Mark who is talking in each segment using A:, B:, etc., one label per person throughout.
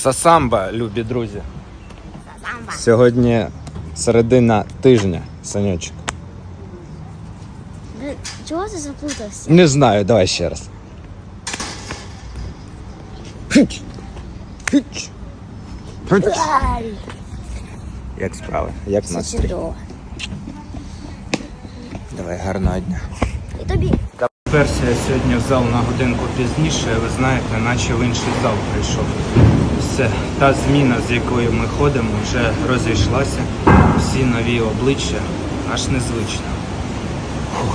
A: Сасамба, любі друзі.
B: Сасамба.
A: Сьогодні середина тижня, Санечок.
B: Чого ти заплутався?
A: Не знаю, давай ще раз. Як справи? Як настрій?
B: Чудово.
A: Давай, гарного дня.
B: І тобі.
A: Перся я сьогодні в зал на годинку пізніше, ви знаєте, наче в інший зал прийшов. Все, та зміна, з якою ми ходимо, вже розійшлася. Всі нові обличчя, аж незвично. Фух.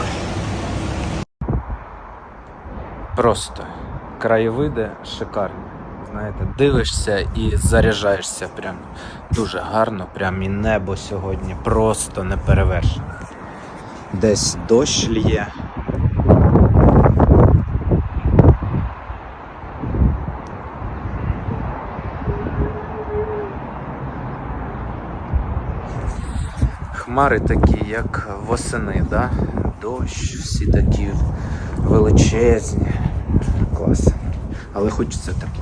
A: Просто краєвиди шикарні. Знаєте, дивишся і заряджаєшся прям дуже гарно, прям і небо сьогодні просто неперевершене. Десь дощ лє. Хмари такі, як восени, да? Дощ, всі такі величезні. Клас. Але хочеться тепла.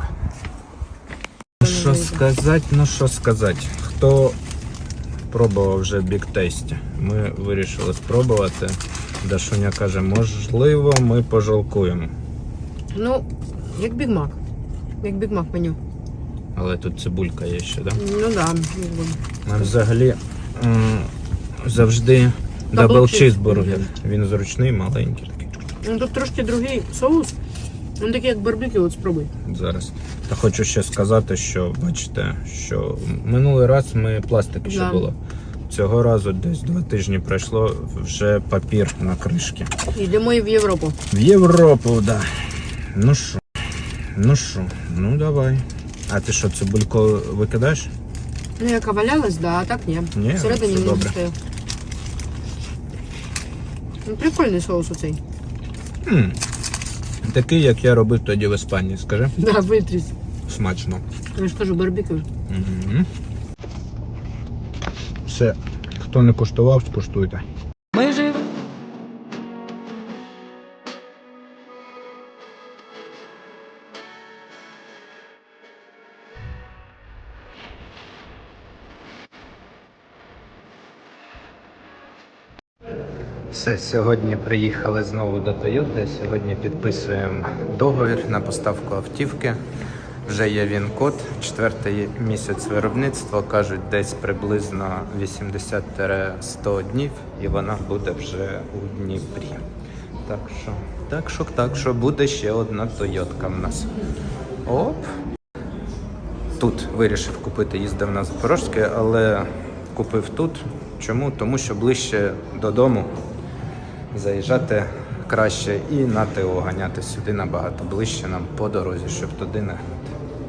A: Що сказати. Хто пробував вже Big Tasty? Ми вирішили спробувати. Дашуня каже, можливо, ми пожалкуємо.
C: Ну, як Big Mac. Як Big Mac меню.
A: Але тут цибулька є ще, так? Да?
C: Ну да.
A: Ми взагалі завжди дабл чизбургер. Він зручний, маленький такий.
C: Ну тут трошки другий соус. Він такий як барбекю, от спробуй.
A: Зараз. Та хочу ще сказати, що, бачите, що минулий раз ми пластик ще було. Цього разу десь 2 тижні пройшло, вже папір на кришки.
C: Йдемо і в Європу.
A: В Європу, так. Да. Ну давай. А ти що, цибульку викидаєш?
C: Ну, яка валялась, да, а так ні.
A: Ні,
C: Всередині
A: все
C: не
A: добре.
C: стояв. Ну, прикольний соус оцей.
A: Такий, як я робив тоді в Іспанії, скажи.
C: Да, витріс.
A: Смачно.
C: Я ж кажу, барбекю.
A: Все, хто не куштував, скуштуйте.
C: Ми живі.
A: Все, сьогодні приїхали знову до Toyota. Сьогодні підписуємо договір на поставку автівки. Вже є він-код, 4-й місяць виробництва, кажуть, десь приблизно 80-100 днів, і вона буде вже у Дніпрі. Так що буде ще одна Toyota в нас. Оп! Тут вирішив купити, їздив на Запорожське, але купив тут. Чому? Тому що ближче додому заїжджати краще і на ТО ганяти сюди набагато ближче нам по дорозі, щоб туди не гнати.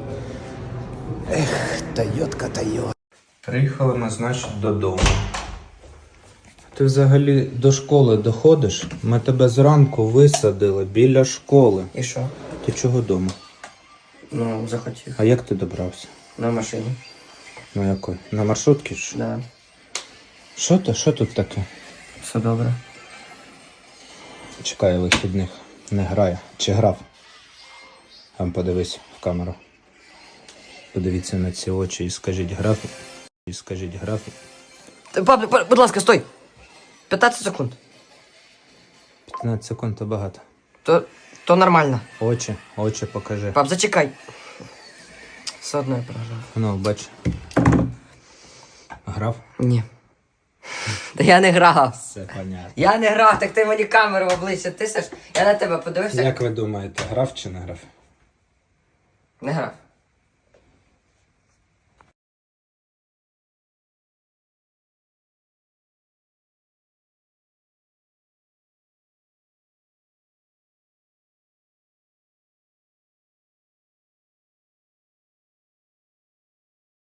A: Ех, Тойотка. Приїхали ми, значить, додому. Ти взагалі до школи доходиш? Ми тебе зранку висадили біля школи.
D: І що?
A: Ти чого вдома?
D: Ну, захотів.
A: А як ти добрався?
D: На машині.
A: На якої? На маршрутці?
D: Да.
A: Що тут таке?
D: Все добре.
A: Чекає вихідних. Не грає. Чи грав? Там подивись в камеру. Подивіться на ці очі і скажіть грав.
D: Пап, будь ласка, стой! 15 секунд.
A: 15 секунд то багато.
D: То нормально.
A: Очі покажи.
D: Пап, зачекай. Все одно я програв.
A: Ну, бач. Грав?
D: Ні. Та я не грав.
A: Все понятно.
D: Я не грав, так ти мені камеру в обличчя тисиш. Я на тебе подивився.
A: Як ви думаєте, грав чи не грав?
D: Не грав.